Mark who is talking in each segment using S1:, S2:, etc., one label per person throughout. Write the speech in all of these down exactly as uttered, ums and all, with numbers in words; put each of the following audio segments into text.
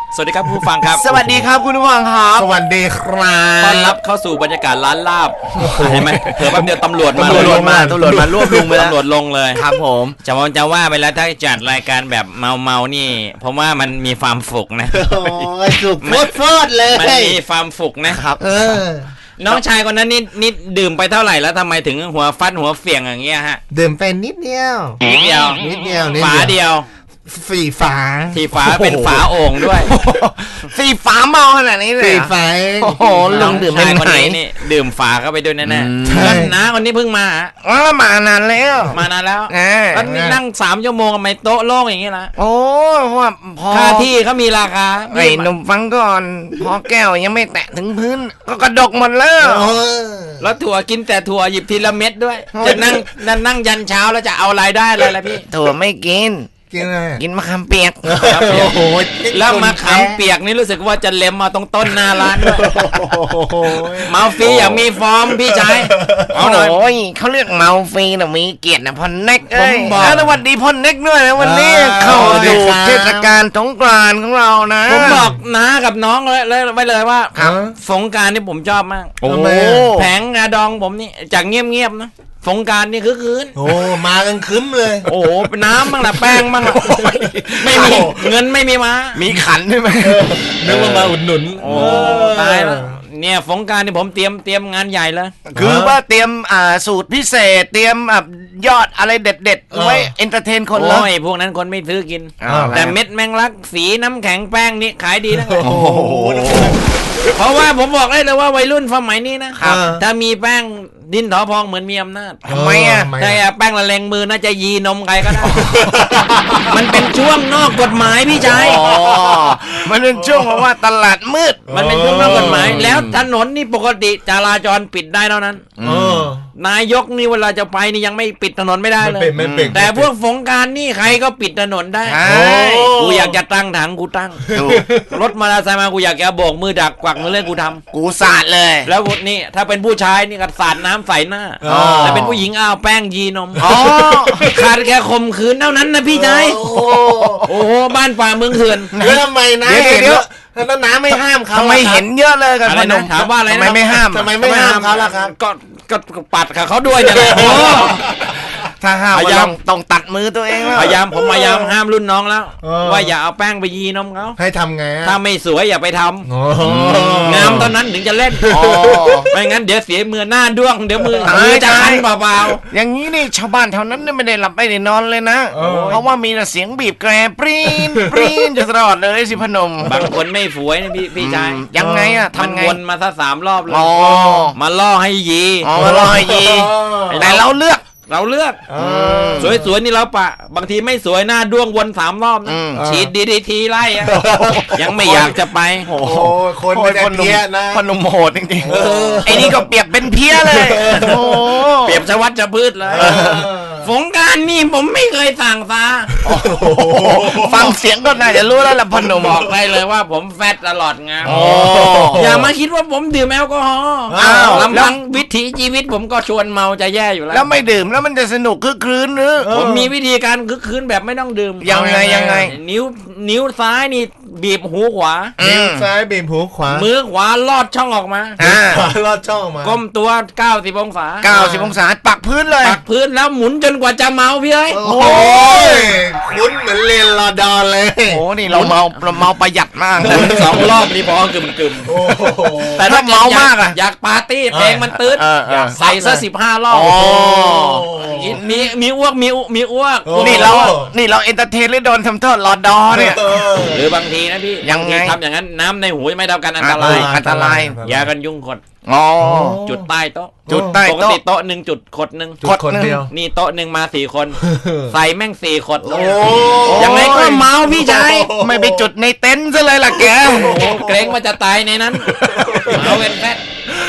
S1: สวัสดีครับผู้ฟังครับ
S2: สวัสดีครับคุณผู้ฟังครับ
S3: สวัสดีครับ
S1: ต้อนรับเข้าสู่บรรยากาศร้านลาบเห็นไหมเผื่อแป๊บเดียวตำรวจมา
S2: ตำรวจมาตำรวจมารวบรวมไปแล้ว
S1: ตำรวจลงเลย
S2: ครับผม
S1: จะว่าจะว่าไปแล้วถ้าจัดรายการแบบเมาเมานี่ผมว่ามันมีความฝุกนะ
S3: โอ้ยสุกโฟดเลย
S1: มันมีความฝุกนะครับ
S3: เออ
S1: น้องชายคนนั้นนี่นี่ดื่มไปเท่าไหร่แล้วทำไมถึงหัวฟัดหัวเฟียงอย่างเงี้ยฮะ
S3: ดื่มไปนิดเดียว
S1: นิดเดียว
S3: นิดเดียว
S1: ฝาเดียว
S3: สีฝา
S1: สีฝาเป็นฝาโอ่งด้วย
S2: สีฝาเมาขนาดนี้เลย
S3: สีฝา
S2: โอ้โหลุงดื่มไม่ไหน
S1: นี่ดื่มฝาเข้าไปด้วยแน่ๆแล้วน้าคนนี้เพิ่งมา
S2: อ๋อมานานแล้ว
S1: มานานแล้วแล้วนี่นั่งสามชั่วโมงทำไมโต๊ะโล่งอย่างงี้ล่ะ
S2: โอ้ว่าพอ
S1: ค่าที่เขามีราคา
S2: ไอ้หนุ่มฟังก่อนพอแก้วยังไม่แตะถึงพื้นก็กระดกหมดแล้ว
S1: แล้วถั่วกินแต่ถั่วหยิบทีละเม็ดด้วยจะนั่งนั่งยันเช้าแล้วจะเอารายได้อะไรล่ะพี่
S2: ถั่วไม่กิน
S3: กินอะไร
S2: กินมะขามเปียก
S1: โอ้โหแล้วมะขามเปียกนี่รู้สึกว่าจะเล็มมาตรงต้นหน้าร้านด้วยเมาฟรีอย่างมีฟอร์มพี่ชาย
S2: เอาหน่อยโอ้ยเขาเรียกเมาฟรีนะมีเกียรตินะพ่อเน็กเอ้ยสวัสดีพ่อเน็กด้วยนะวันนี้เข้าสู่เทศกาลสงกรานต์ของเรานะ
S1: ผมบอกน้ากับน้องเลยเลยไว้เลยว่าสงกรานต์นี่ผมชอบมาก
S3: โอ้
S1: แผงกระดองผมนี่จากเงียบๆนะสงการนี่คือคืน
S3: โอ้มากันคึ้มเลย
S1: โอ้โหน้ำบ้างล่ะแป้งบ้างล่ะไม่มีเงินไม่มีมา
S2: มีขันใช่ไหม
S3: นึกว่ามาอุดหนุน
S1: โอ้ตายแล้วเนี่ยสงการนี่ผมเตรียมเตรียมงานใหญ่เลย
S2: คือว่าเตรียมอ่าสูตรพิเศษเตรียมอ่ายอดอะไรเด็ดๆไว้เอนเตอร์เทนคนเลย
S1: โอ้ยพวกนั้นคนไม่ซื้อกินแต่เม็ดแมงลักสีน้ำแข็งแป้งนี่ขายดีนะ
S3: โอ้โห
S1: เพราะว่าผมบอกได้เลยว่าวัยรุ่นสมัยนี้นะถ้ามีแป้งดินถอพองเหมือนมีอำนาจ
S2: ทำไมอ่ะ
S1: ใช่แป้งละเลงมือน่าจะยีนมใครก็ได้มันเป็นช่วงนอกกฎหมายพี่ชาย
S2: มันเป็นช่วงเพราะว่าตลาดมืด
S1: มันเป็นช่วงนอกกฎหมายแล้วถนนนี่ปกติจราจรปิดได้เท่านั้นนายกนี่เวลาจะไปนี่ยังไม่ปิดถนนไม่ได้เลยแต่พวกสงกรานต์นี่ใครก็ปิดถนนได้กูอยากจะตั้งถังกูตั้งรถมอเตอร์ไซค์มากูอยากจะโบกมือดักกวักมือเล่นกูทำ
S2: กูสาดเลย
S1: แล้วนี่ถ้าเป็นผู้ชายนี่ก็สาดน้ำใส่หน้าแต่เป็นผู้หญิงอ้าวแป้งยีนมขาดแค่ข่มขืนเท่านั้นนะพี่ชายโอ้โหบ้านป่าเมืองเถื่อน
S3: แล้วทำไมนะเดี๋ยวแล้วน้าไม่ห้ามเขา
S2: ทำไมเห็นเยอะเลยกัน
S1: อะไรนะถามว่าอะไรนะ
S2: ทำไมไม่ห้าม
S3: ทำไมไม่ห้ามเขาล่ะครับ
S1: ก็ก็ปัดกับเขาด้วยเนี่ยแหละ
S2: ถ้าห้ามพยายามต้องตัดมือตัวเองแล้ว
S1: พยายามผมพยายามห้ามรุ่นน้องแล้วว่าอย่าเอาแป้งไปยีนมเขา
S3: ให้ทำไง
S1: ถ้าไม่สวยอย่าไปทำงามตอนนั้นถึงจะเล่นไม่งั้นเดี๋ยวเสียมือหน้าด้วงเดี๋ยวมือมือจะคันเปล่า
S2: ๆอย่างนี้นี่ชาวบ้านแถวนั้นไม่ได้หลับไม่ได้นอนเลยนะเพราะว่ามีแต่เสียงบีบแกรปรีนปรีนจะตลอดเลยสิพนม
S1: บางคนไม่สวยนะพี่พี่ชาย
S2: ยังไงอะทำไง
S1: วนมาซะสามรอบเลยมาล่อให้ยี
S2: มาล่อให้ยีแต่เราเลือก
S1: เราเลือกสวยๆนี่เราปะบางทีไม่สวยหน้าด้วงวนสามรอบนะฉีดดีดีทีไล่ยังไม่อยากจะไป
S3: โอ้โหคนเป็นเพี้ยนะ
S2: คนหนุ่มโหดจริงๆไอ้นี่ก็เปรียบเป็นเพี้ยเลยโอ้
S1: เปรียบชวัดจะพืชเลยสงกรานต์นี่ผมไม่เคยสั่งซา
S2: ฟังเสียงก็น่าจะรู้แล้วล่ะพนม
S1: บอกได้เลยว่าผมแฟตตลอดงานอย่ามาคิดว่าผมดื่มแอลกอฮอล์ลำพังวิถีชีวิตผมก็ชวนเมาจะแย่อยู่แล้ว
S2: แล้วไม่ดื่มแล้วมันจะสนุกคึกคืนหรือ
S1: ผมมีวิธีการคึกคืนแบบไม่ต้องดื่ม
S2: ยังไงยังไง
S1: นิ้วนิ้วซ้ายนี่บีบหูขวา
S3: นิ้วซ้ายบีบหูขวา
S1: มือขวาลอดช่องออกมา
S3: ลอดช่องออกมา
S1: ก้มตัวเก้าสิบองศา
S2: เก้าสิบองศาปักพื้นเลย
S1: ปักพื้นแล้วหมุนจนกว่าจะเมาพี่เอ้ย
S3: โอ้ยคุ้นเหมือนเรียนรอดอเลย
S2: โอ้นี่เราเมาเราเมาประหยัดมาก
S1: สองรอบนี่พอกึ่มกึ่มแต่
S2: ถ้าเมามากอะ
S1: อยากปาร์ตี้เพลงมันตื้นใส่ซะสิบห้ารอบมีมีอ้วกมีมีอ้วก
S2: นี่เรานี่เราเอนเตอร์เทนหรือโดนทำโทษรอดอเนี่ย
S1: หรือบางทีนะพี่
S2: ยังไง
S1: ทำอย่างนั้นน้ำในหูไม่เท่ากันอันตราย
S2: อันตราย
S1: ยากันยุงขด
S2: อ๋อ
S1: จุดใต้โต๊ะ
S2: จุดใต้
S1: โต๊ะปกติโต๊ะหนึ่งจุดขดหนึ่ง
S3: ขดคนเดียว
S1: นี่โต๊ะหนึ่งมาสี่คนใส่แม่งสี่ขดยังไงก็เมาพี่ชาย
S2: ไม่ไปจุดในเต็นท์ซะเลยล่ะแก
S1: เกรงว่าจะตายในนั้นเมาเป็นแฟต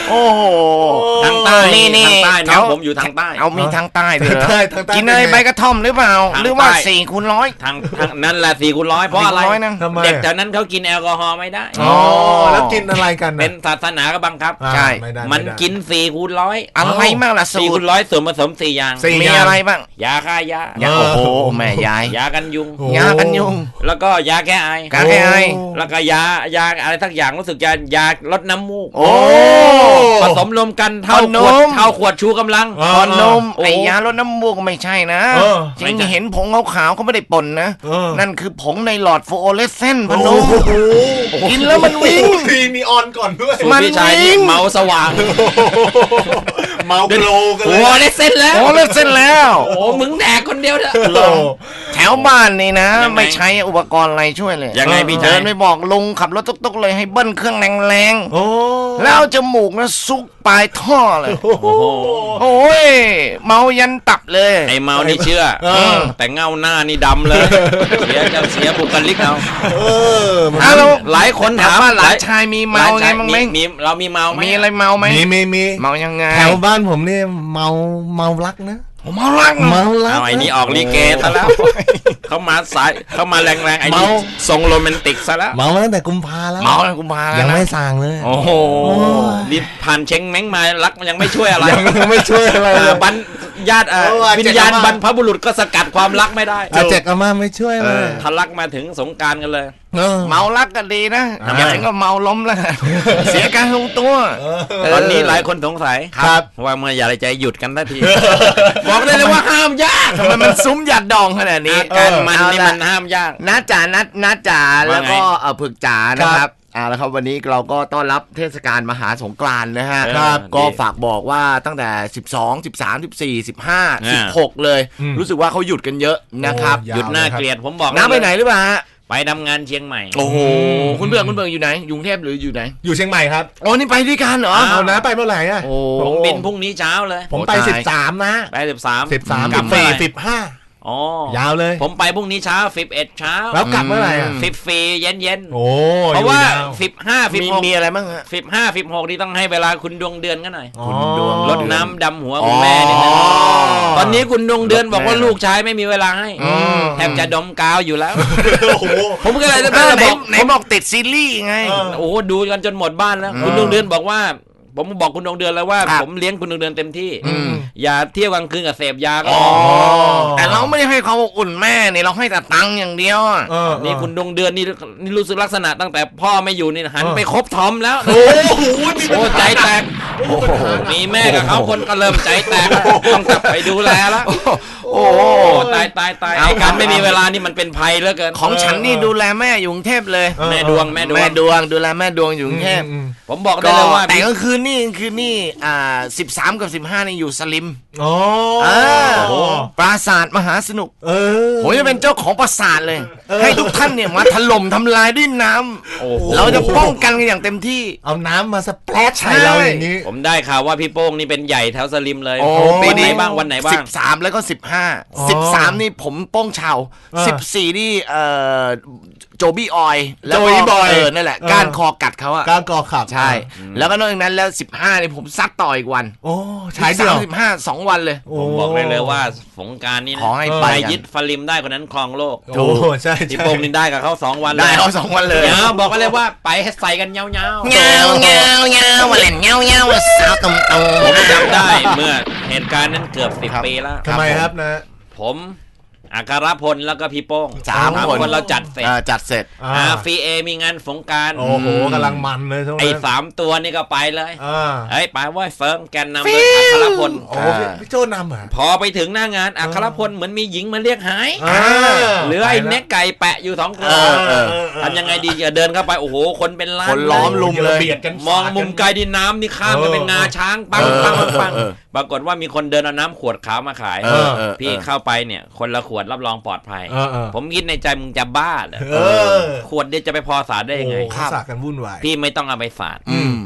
S2: โอ้โห
S1: ทางใต้
S2: นี่นี่
S1: ทางใต้น้องผมอยู่ทางใต้
S2: เอามีทางใต้ด้วยเหรอ
S3: ทางใต้ทางใต้
S2: กินอะไรใบกระท่อมหรือเปล่า
S1: ทางใต้
S2: หรือว่าสี่คูณร้อย
S1: ทางทางนั่นแหละสี่คูณร้อยเพราะอะไร
S2: สี่คูณร้อยนะ
S3: ทำไม
S1: เด็กแถวนั้นเขากินแอลกอฮอล์ไม่ได้
S3: อ๋อแล้วกินอะไรกัน
S1: เป็นศาสนาก็บังคับ
S3: อ่า
S2: ใช่
S3: ไได้
S1: มัน
S3: ไได้
S1: กินสี่คูณร้อย
S2: อะไรบ้างล่ะสู
S1: สี่
S2: ต
S1: คู
S2: ร
S1: ณร้อยส่วนผสมสี่อย่าง
S3: สี่
S2: มีอะไรบ้าง
S1: ยาฆ่ายา
S2: ยาโอ้โหแม่ยาย
S1: ยากันยุง
S3: โอ้
S2: ยากันยุง
S1: แล้วก็ยาแก้ไอ
S2: การให้ไอ
S1: แล้วก็ยายาอะไรสักอย่างรู้สึกจะยาลดน้ำมูก
S2: โอ้
S1: ผสมรวมกันเท่า
S2: ขน
S1: ขวด
S2: ม
S1: เท่าขวดชูกำลัง
S3: เออ
S2: ตอนนม
S1: โอ้
S2: ไอ้ยาลดน้ำมูกก็ไม่ใช่นะ
S3: เออ
S2: จริงเห็นผงขาวๆเขาไม่ได้ป่นนะ
S3: เออ
S2: นั่นคือผงในหลอดฟลูออเรสเซนต์พ
S3: โอ้
S2: นม
S3: โห
S2: กินแล้วมันวิ่ง
S3: มีนีออนก่อนด้วย
S1: สูต
S2: มั
S1: ร
S2: น
S1: พี่ชาย
S2: วิ่
S1: นี่
S2: ง
S1: เมาสว่าง
S3: เมาโกลกันเล
S1: โอ้
S3: ย
S1: ได้เส้นแล้ว
S2: ฟลูออเรสเซนต์แล้ว
S1: โอ้มึงแดกคนเดียวเถอะ
S3: โอ้
S2: แถวบ้านนี่นะ
S1: ยังไง
S2: ไม่ใช้อุปกรณ์อะไรช่วยเลย
S1: ยังไงพี่
S2: เดิ
S1: ชาย
S2: นไปบอกลุงขับรถตุ๊กๆเลยให้เบิ้ลเครื่องแรง
S3: โอ้
S2: ๆแล้วเอาจมูกนะซุกปลายท่อเลย
S3: โอ้โห
S2: โอ้ยเมายันตับเลย
S1: ไอเมานี่เชื่อ
S3: เออ
S1: แต่เงาหน้านี่ดำเลย เสียจะเสียบุคลิกเอา
S3: เออมัน
S2: อ้าวแล้ว
S1: หลายคน
S2: ถา
S1: ถาม ม
S2: ว่าหลานชายมีเมาไงบ้างไหม
S1: มีเรามีเมาไหม
S2: มีอะไรเมาไหม
S3: มีมีมี
S2: เมายังไง
S3: แถวบ้านผมนี่เมาเมารักนะ
S2: ผมเมารักนะ
S3: เมารัก
S1: เอาไอ้นี่ออกลิเกซะแล้ว เขามาสายเขามาแรงๆไอ้นี่
S3: เมา
S1: ทรงโรแมนติกซะแล้ว
S3: เมามาตั้งแต่กุมภาแล้ว
S2: เมาแล้วกูมาแล้ว
S3: ยัง
S2: นะ
S3: ไม่สั่งเลย
S1: โอ้โหรีบผ่านเชงแม้งมารักมันยังไม่ช่วยอะไร
S3: ยังไม่ช่วยอะไรเล
S1: อ่าย บันญาติอ่า
S3: เอออาจจะ
S1: วิญญาณบรรพบุรุษก็สกัดความรักไม่ได้
S3: อาเจกอาม่าไม่ช่วยเลย
S1: ทะลักมาถึงสงกรารกันเลย
S3: เออ
S2: เมารักก็ดีนะ
S3: อ่า
S2: อย่าถึงก็เมาล้มแล้ว เสียการทรงตัว
S3: เออ
S1: ตอนนี้หลายคนสงสัย
S3: ครับ
S1: ว่าเมื่อไหร่จะหยุดกันทันที บอกได้เลยว่าห้ามยาก
S2: ทำไมมันซุ้มหยัดดองขนาดนี้
S1: อาการมัน
S2: เอา
S1: นี่
S2: ละ
S1: มันห้ามยาก
S2: นัดจ๋านัดนัดจ๋า
S1: ว่าไง
S2: แล้วก็เออผึกจ๋านะครับเอาละครับวันนี้เราก็ต้อนรับเทศกาลมหาสงกรานต์นะฮะ
S1: ครับ
S2: ก็ฝากบอกว่าตั้งแต่สิบสอง สิบสาม สิบสี่ สิบห้า
S1: อ่า
S2: สิบหกเลย
S3: อืม
S2: รู้สึกว่าเขาหยุดกันเยอะนะครับ
S3: โอ้
S1: หยุดหน้าเกลียดผมบอก
S2: น้าไปไหนหรือเปล่าฮะ
S1: ไปทำงานเชียงใหม่
S2: โอ้โหคุณเบืองคุณเบืองอยู่ไหนอยู่กรุงเทพหรืออยู่ไหน
S3: อยู่เชียงใหม่ครับ
S2: โอ้นี่ไปด้วยกันเหรอ
S1: อ้าว
S3: เอานะไปเมื่อไหร่อะ
S2: โอ้
S1: ผมบินพรุ่งนี้เช้าเลย
S3: ผมไป
S2: โอ้ตาย
S3: สิบสามนะ
S1: ไปสิบสาม
S3: สิบสาม
S1: กลั
S3: สิ
S1: บบ เมื่อ
S3: สี่
S1: ไหร่
S3: สิบห้า
S1: อ๋อ
S3: ยาวเลย
S1: ผมไปพรุ่งนี้เช้าสิบเอ็ดเช้า
S3: แล้วกลับเมื่อไหร่อะ
S1: สิบฟรีเย็นเย็นๆ
S3: โอ้
S1: เพราะว่า
S3: อยู่ย
S1: สิบห้าสิบ
S2: มี
S1: หก
S2: มีอะไรบ้างฮะ
S1: สิบห้าสิบหกนี่ต้องให้เวลาคุณดวงเดือนกันหน่อย
S3: อ๋อ
S2: คุณดวง
S1: รดน้ำดำหัวคุณแม่นี่นะ
S3: อ๋อ
S1: ตอนนี้คุณดวงเดือนบอกว่า
S2: แม่
S1: ลูกชายไม่มีเวลาให้
S2: อืม
S1: แทบจะดมกาวอยู่แล้ว
S3: โอ้โห
S1: ผมก็เลยจะ
S2: เออไหน
S1: บอก
S2: ไหนบอกติดซีรีส์ไง
S3: เออ
S1: โอ้โหดูกันจนหมดบ้านแล้ว
S2: อืม
S1: คุณดวงเดือนบอกว่า ผมบอกคุณดวงเดือนแล้วว่า
S2: ครับ
S1: ผมเลี้ยงคุณดวงเดือนเต็มที่
S2: อืม
S1: อย่าเที่ยวกลางคืนกับเสพยาก็
S2: อ๋อ
S1: พอ
S2: แต่เราไม่ได้ให้ความอบอุ่นแม่นี่เราให้แต่ตังค์อย่างเดียวอะ
S3: เออ
S1: นี่คุณดวงเดือนนี่นี่รู้สึกลักษณะตั้งแต่พ่อไม่อยู่นี่หัน
S3: เออ
S1: ไปคบทอมแล้ว
S3: โอ้โหมีปัญ
S1: โอ้
S3: หา
S1: ใจแตกมีแม่กับเขาคนก็เริ่มใจแตกแล้วต้องกลับไปดูแลแล้ว
S2: โอ้
S1: โอ้ตายตายตาย
S2: เอา
S1: ไอ้การไม่มีเวลานี่มันเป็นภัยเหลือเกิน
S2: ของฉันนี่ดูแลแม่อยู่กรุงเทพเลย
S3: เออ
S1: แม่ดวงแม่ดว
S2: แม่
S1: ง
S2: ดวงดูแลแม่ดวงอยู่กรุงเทพ
S3: อืม
S1: ผมบอกได้
S2: ก็
S1: เลยว่า
S2: แต่ก็คือนี่คือนี่อ่าสิบสามกับสิบห้านี่อยู่สลิม
S3: อ๋อ
S2: อ่า
S3: โอ้
S2: ปราสาทมหาสนุก
S3: เออ
S2: ผมจะเป็นเจ้าของปราสาทเลย ให้ทุกท่านเนี่ยมาถล่มทำลายด้วยน้ำ
S1: โอ้โห
S2: เราจะป้องกันกันอย่างเต็มที่
S3: เอาน้ำมาสเปรดใส่เราอย่างนี้
S1: ผมได้ข่าวว่าพี่โป้งนี่เป็นใหญ่แถวสลิมเลย
S2: โอ้
S1: วันไหนบ้างวันไหนบ้า
S2: สิ
S1: ง
S2: บสามแล้วก็สิบห้า
S3: อ๋อ
S2: สิบสามนี่ผมโป้งชาว
S3: อ่า
S2: สิบสี่นี่เอ่อโจบี้ออยแล้ว
S3: โจ
S2: ก็
S3: บี้บอย
S2: เออนั่นแหละ
S3: เออ
S2: ก้านคอกัดเขาอะ
S3: ก้าวกอขับ
S2: ใช่ แล้วก็นอกจากนั้นแล้วสิบห้านี่ผมซัดต่ออีกวัน
S3: โอ้ใช้เดียว
S2: สิบห้าสองวันเลย
S3: โอ้
S1: ผมบอกเลยเลยว่าสงกรารนี่นะ
S2: ขอให้
S1: ใค
S2: ไป
S1: ร
S2: กัน
S1: ยึดฟลิมได้คนนั้นครองโลก
S3: โอ้ใช่
S1: พี่
S3: ใช่
S1: โป้งนี่ได้กับเขาสองวัน
S2: ได้เอาสองวันเลย
S1: เงาบอกไว้เลยว่าไปให้ใส่กันเงาเงา
S2: เงาเงาเงาวันเล่นเงาเงาสาวตุ่มตุ่ม
S1: ผมจำได้เมื่อเหตุการณ์นั้นเกือบสิบ
S2: ครับ
S1: ปีแล้ว
S3: ทำไมครับนะ
S1: ผมอัครพลแล้วก็พี่โป้ง
S2: สามคน
S1: เราจัดเสร็จ
S2: อ่าจัดเสร็จ
S3: อ่า
S1: อาฟีเอมีงานสงกราร
S3: โอ้โหกำลังมันเลยช่วง
S1: ไอ้
S3: นั้น
S1: สามตัวนี่ก็ไปเลย
S3: อ่า
S1: เฮ้ยไปว่าเฟิร์มแกนนำโดยอัครพล
S3: โอ้พี่พี่โจนำเหรอ
S1: พอไปถึงหน้างานอัครพลเหมือนมีหญิงมาเรียกหาย
S3: อ่า
S1: เหลือไอ้เน็กไก่แปะอยู่สองคน
S2: เออเออ
S1: ทำยังไงดีจะเดินเข้าไปโอ้โหคนเป็นล้าน
S2: คนล้อมลุมเลย
S3: บีดกัน
S1: มองมุมไกลดินน้ำนี่ข้ามไปเป็นงาช้างปัง
S2: เออ
S1: ปังปังปัง
S2: เออ
S1: ปรากฏว่ามีคนเดินเอาน้ำขวดขาวมาขาย
S2: เออเออ
S1: พี่เข้าไปเนี่ยคนละขวดรับรองปลอดภัย
S3: เออเออ
S1: ผมคิดในใจมึงจะบ้าเหรอ
S3: เออ
S1: ขวดเดียวจะไปพอสาดได้ยังไง
S3: โอ้โหสาดกันวุ่นวาย
S1: พี่ไม่ต้องเอาไปสาด
S2: อืม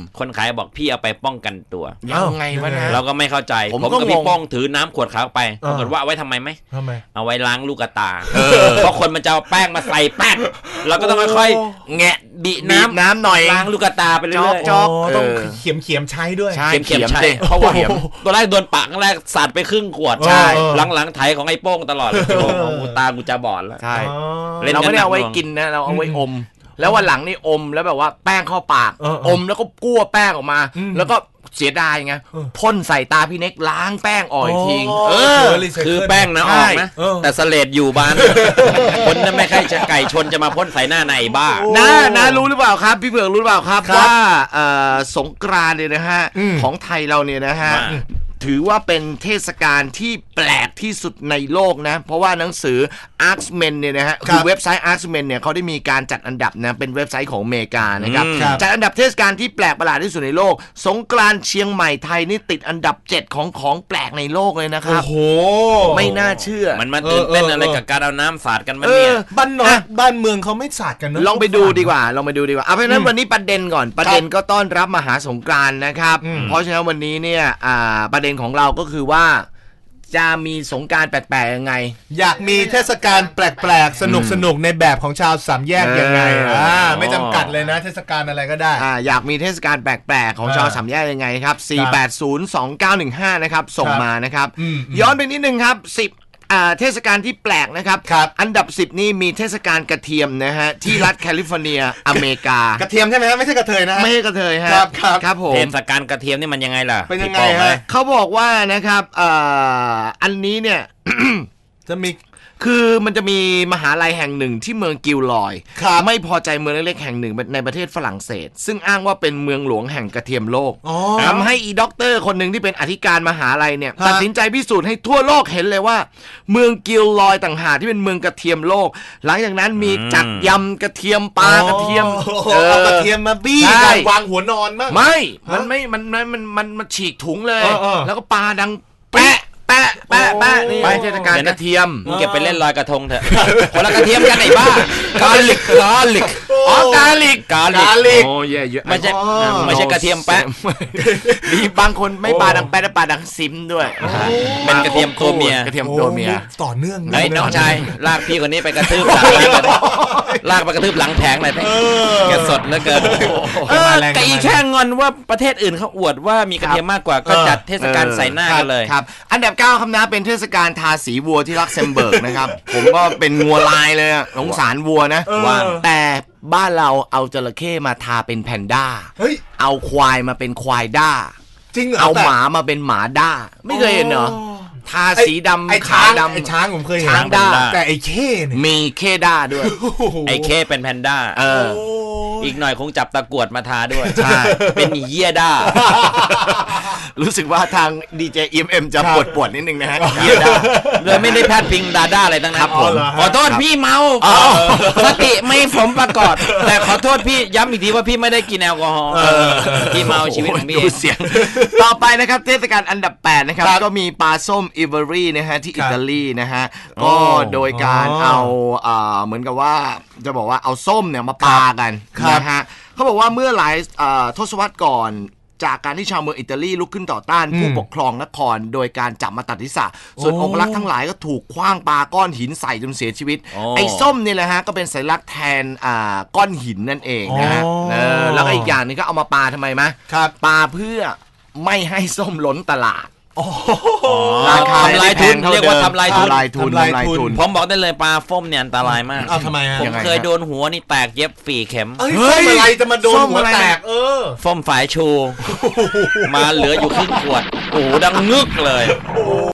S1: คนขายบอกพี่เอาไปป้องกันตัว
S2: ยังไงวะนะ
S1: เราก็ไม่เข้าใจ
S2: ผม
S1: ผม
S2: ก็
S1: กับ
S2: ง
S1: พี่
S2: ง
S1: ป้องถือน้ำขวดขาวไป
S3: เออ
S1: ปรากฏว่าเอาไว้ทำไมไหม
S3: ทำไม
S1: เอาไว้ล้างลูกตาเพราะคนมันจะเอาแป้งมาใส่แป้งเราก็ต้องค่อยๆแงะบีน้ำ
S2: น้ำหน่อย
S1: ล้างลูกตาไปเรื่อยๆ
S2: จ๊อก
S3: อ๋อต้องเขียมเขียมๆใช้ด้วย
S2: ใช่
S1: เข็มๆใช่
S2: ดิเพราะว่าเข็ม
S1: ตัวแรกโดนปากแรกสาดไปครึ่งขวด
S3: ใช่
S1: หลังๆไถของไอ้โป้งตลอดเลยโอ้โหกูตากูจะบอดแล้ว
S2: ใช่
S3: อ๋อ
S1: เล่น
S2: เราไม่ได้เอาไว้
S1: กันหนักหน่วง
S2: กินนะเราเอาไว้อม แล้ววันหลังนี่อมแล้วแบบว่าแป้งเข้าปาก
S3: เออเออ
S2: อมแล้วก็กั้วแป้งออกมา
S3: อืม
S2: แล้วก็เสียดายไง
S3: เออ
S2: พ่นใส่ตาพี่เน็กล้างแป้งอ่อยทิ้ง
S3: เอ
S2: เอ
S3: อ
S2: อ
S1: คือแป้งนะออกนะ
S3: เออ
S1: แต่สเลดอยู่บ้าน คนนั้นไม่ใช่จะไก่ชนจะมาพ่นใส่หน้าในบ้า
S2: นะนะรู้หรือเปล่าครับ พี่เผือกรู้หรือเปล่าครับ
S3: ครับ
S2: ว่าเอ่อสงกรานต์เนี่ยนะฮะ
S3: อืม
S2: ของไทยเราเนี่ยนะฮะ
S1: ว่า
S2: ถือว่าเป็นเทศกาลที่แปลกที่สุดในโลกนะ เพราะว่าหนังสือ Arxmen เนี่ยนะฮะ
S3: ครับ
S2: คือเว็บไซต์ Arxmen เนี่ยเขาได้มีการจัดอันดับนะเป็นเว็บไซต์ของอเมริกานะครับ
S1: อืม
S3: ครับ
S2: จัดอันดับเทศกาลที่แปลกประหลาดที่สุดในโลก สงกรานต์เชียงใหม่ไทยนี่ติดอันดับเจ็ดของของแปลกในโลกเลยนะค
S3: โอ้
S2: รับ
S3: โห
S2: ไม่น่าเชื่อ
S1: มันมาตื่นเต้น
S3: เออเออ
S1: อะไรกับการเอาน้ำสาดกันมัน
S2: เอ
S1: เนี่
S2: อ
S1: ย
S3: บ้านนอ
S2: อ่ะ
S3: กบ้านเมืองเขาไม่สาดกันเนอะ
S2: ลองไปดูดีกว่า ลองไปดูดีกว่าเอาเพราะฉะนั้น
S3: อืม
S2: วันนี้ประเด็นก่อน ประเด็นก็ต้อนรับมหาสงกรานต์นะครับ
S3: อืม
S2: เพราะฉะนั้นวันนี้เนี่ยอ่าประเด็นของเราก็คือว่า จะมีสงกรานต์แปลกๆยังไง
S3: อยากมีเทศกาลแปลกๆ สนุกสนุกๆในแบบของชาวสามแยกยังไง
S2: เอออ่
S3: อ่าไม่จำกัดเลยนะ เทศกาลอะไรก็ได้
S2: อ่าอยากมีเทศกาลแปลกๆ ของ
S3: เออ
S2: ชาวสามแยกยังไงครับ สี่แปดศูนย์ สองเก้าหนึ่งห้า นะครับ ส่ง
S3: ครับ
S2: มานะครับ
S3: อืมอืม
S2: ย้อนไปนิดนึงครับ สิบอ่าเทศกาลที่แปลกนะครับ
S3: ครับ
S2: อันดับ สิบ นี่มีเทศกาลกระเทียมนะฮะ ที่รัฐแคลิฟอร์เนีย อเมริกา
S3: กระเทียมใช่ไหมครับไม่ใช่กระเทยนะ
S2: ไม่ใช่กระเทยฮะ
S3: ครับครับ
S2: ครับผม
S1: เทศกาลกระเทียมนี่มันยังไงล่ะ
S3: เป็นยังไง
S1: พี่โป้
S3: ฮะ
S1: เอ้ย
S2: เขาบอกว่านะครับเอ่ออันนี้เนี่ย
S3: จะมี
S2: คือมันจะมีมหาลัยแห่งหนึ่งที่เมืองกิลลอย
S3: ครับ
S2: ไม่พอใจเมืองเล็กๆแห่งหนึ่งในประเทศฝรั่งเศส ซึ่งอ้างว่าเป็นเมืองหลวงแห่งกระเทียมโลก
S3: อ๋อ
S2: ทำให้อีด็อกเตอร์คนหนึ่งที่เป็นอธิการมหาลัยเนี่ย
S3: ฮะ
S2: ตัดสินใจพิสูจน์ให้ทั่วโลกเห็นเลยว่า เมืองกิลลอยต่างหากที่เป็นเมืองกระเทียมโลก หลังจากนั้นมีจัดยำกระเทียมปลากระเทียม
S3: โอ้โหเอากระเทียมมาบี้
S2: ใช่
S3: กันวางหัวนอนบ้าง
S2: ไม่ มัน
S3: ฮะ
S2: ไม่ มันมันมันมันมันฉีกถุงเลย
S3: เออเออ
S2: แล้วก็ปลาดังแปะแปะแปะแปะนี่
S3: โอ้
S2: ไปเทศกาลกระเทียม
S1: มึงเก็บไปเล่นลอยกระทงเถอะ คนละกระเทียมกันไอ้บ้า กาลิกกาลิก
S2: อ๋อกาลิก
S1: กาลิก
S3: กาลิก
S2: โอ้เยอะเยอะ
S1: ไม่ใช่
S3: อ๋อ
S1: ไม่ใช่กระเทียมแปะ
S2: มีบางคนไม่ปลาดังแปะแต่ปลาดังซิมด้วย
S1: เป็นกระเทียมตัวเมีย
S2: กระเทียมตัวเมีย
S3: โอ้ต่อเนื่อง
S1: ไอ้ยน้องชายลากพี่คนนี้ไปกระทืบหลังแผงหน่อยดิลากไปกระทืบหลังแผงหน่อยดิ
S3: เออ
S1: แกสดเหลือเกินเออ
S3: มาแรง
S1: แต่อี
S3: มาแรง
S1: แค่งอนว่าประเทศอื่นเขาอวดว่ามีกระเทียมมากกว่าก็จัดเทศกาลใส่หน้ากันเลย
S2: ครับ อันดับเก้าคำนะเป็นเทศกาลทาสีวัวที่ลักเซมเบิร์กนะครับ ผมก็เป็นงัวลายเลยอะสงสารวัวนะ
S3: เออ
S2: ว่าแต่บ้านเราเอาจระเข้มาทาเป็นแพนด้า
S3: เฮ้ย
S2: เอาควายมาเป็นควายด้า
S3: จริงเหรอ
S2: เอา
S3: แต่
S2: หมามาเป็นหมาด้า ไม่เคยเห็นเหรอ ทาสีดำ
S3: ไอ้
S2: ขา
S3: ช้าง
S2: ดำ
S3: ไอ้ช้างผมเคยเห็น
S2: ช้างด้า
S3: แต่ไอ้เข้เนี่ย
S2: มีเคด้าด้วย
S3: โอ้โห
S1: ไอ้เคเป็นแพนด้า
S2: เออ
S3: โอ้
S1: อีกหน่อยคงจับตะกรวดมาทาด้วย
S2: ใช่
S1: เป็นเยี่ยด้า
S2: รู้สึกว่าทางดีเจเอ็มจะ
S3: ครับ
S2: ปวดปวดๆนิดนึงนะฮะเฮียด้า
S1: โดยไม่ได้แพทย์พิงดาด้าอะไรทั้งนั้
S2: ครั
S1: น
S2: บผม
S1: ขอโทษพี่เมา
S2: อ๋อ
S1: สติไม่สมประกอบแต่ขอโทษพี่ย้ำอีกทีว่าพี่ไม่ได้กินแอลกอฮอล์พี่เมาชีวิตของพี่
S2: ดูเสียง ต่อไปนะครับเทศกาลอันดับแปดนะครับ
S3: ครับ
S2: ก็มีปลาส้มอิเวอรี่นะฮะที่
S3: ครับ
S2: อิตาลีนะฮะ
S3: โอ้
S2: ก็โดยการ
S3: อ๋อ
S2: เอาเอ่อเหมือนกับว่าจะบอกว่าเอาส้มเนี่ยมาปากัน
S3: ครับ
S2: นะฮะเขาบอกว่าเมื่อหลายเอ่อทศวรรษก่อน จากการที่ชาวเมืองอิตาลีลุกขึ้นต่อต้าน
S3: อืม
S2: ผู้ปกครองนคร โดยการจับมาตัดทิศะส่วน
S3: โอ้
S2: องครักษ์ทั้งหลายก็ถูกคว้างปาก้อนหินใส่จนเสียชีวิต
S1: โอ้
S2: ไอ้ส้มนี่แหละฮะก็เป็นสัญลักษณ์แทนอ่าก้อนหินนั่นเองนะฮะ
S3: อ๋อ
S2: เออแล้วก็อีกอย่างหนึงก็เอามาปาทำไมมะ
S3: ครับ
S2: ปาเพื่อไม่ให้ส้มล้นตลาด
S3: โอ้โห
S2: ราคา
S1: ทำลายทุน
S2: ไม่ได้แพงเท่า
S1: เรียกว่าทำลายทุน
S2: ทำลายทุน
S3: ทำลาย
S2: ทำลาย
S3: ทุน
S2: ทุน
S1: ผมบอกได้เลยปลาฟ้มเนี่ยอันตรายมาก
S3: เอาทำไมฮะ
S1: ผม
S2: ยังไง
S1: เคย
S2: ฮะ
S1: โดนหัวนี่แตกเย็บฝีเข็ม
S3: เอ้ย
S2: เฮ้
S3: ส้
S2: ย
S3: มอะไรจะมาโดน
S2: ส้ม
S3: หัว
S2: อะไร
S3: แต
S2: นะ
S3: กเออ
S1: ฟ้มฝายชู มาเหลืออยู่ครึ่งขวด โอ้โหดังงึกเลย